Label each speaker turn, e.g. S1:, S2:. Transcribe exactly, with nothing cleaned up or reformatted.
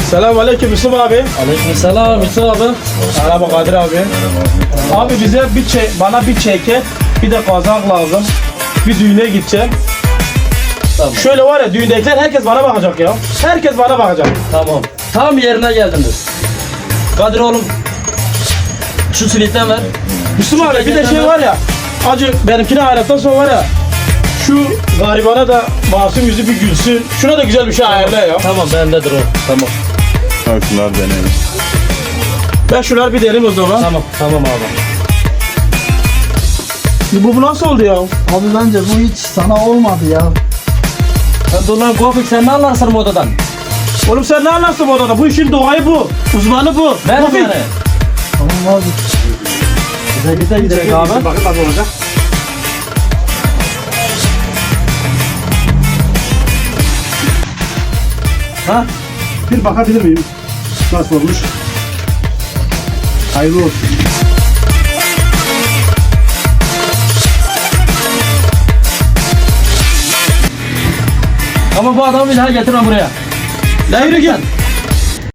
S1: Selamünaleyküm Yusuf abi.
S2: Aleykümselam Yusuf abi.
S1: Merhaba Kadir abi. Abi bize bir çe bana bir çeke, bir de kazak lazım. Bir düğüne gideceğim.
S2: Tamam.
S1: Şöyle var ya, düğündekiler herkes bana bakacak ya. Herkes bana bakacak.
S2: Tamam. Tam yerine geldiniz. Kadir oğlum. Şu silitten ver.
S1: Yusuf abi bir de şey var ya. Acı benimkine hayrattan sonra var ya. Şu garibana da masum yüzü bir gülsün. Şuna da güzel bir şey ayarla ya.
S2: Tamam bendedir o. Tamam.
S3: Şunlar deneyelim.
S1: Ben şunları bir derim o zaman.
S2: Tamam. Tamam abi.
S1: Bu, bu nasıl oldu ya?
S4: Abi bence bu hiç sana olmadı ya.
S2: Ya dur lan Gofik, sen ne anlarsın modadan?
S1: Oğlum sen ne anlarsın bu odada? Bu işin doğayı bu. Uzmanı bu.
S2: Ver
S1: Tofik.
S2: bana.
S4: Tamam abi.
S2: Bize gide gidelim abi.
S1: Bakın nasıl olacak.
S5: Ha? Bir bakabilir miyim? Nasıl olmuş? Hayırlı olsun.
S2: Ama bu adamı bir daha getirme buraya.
S1: La yürü git.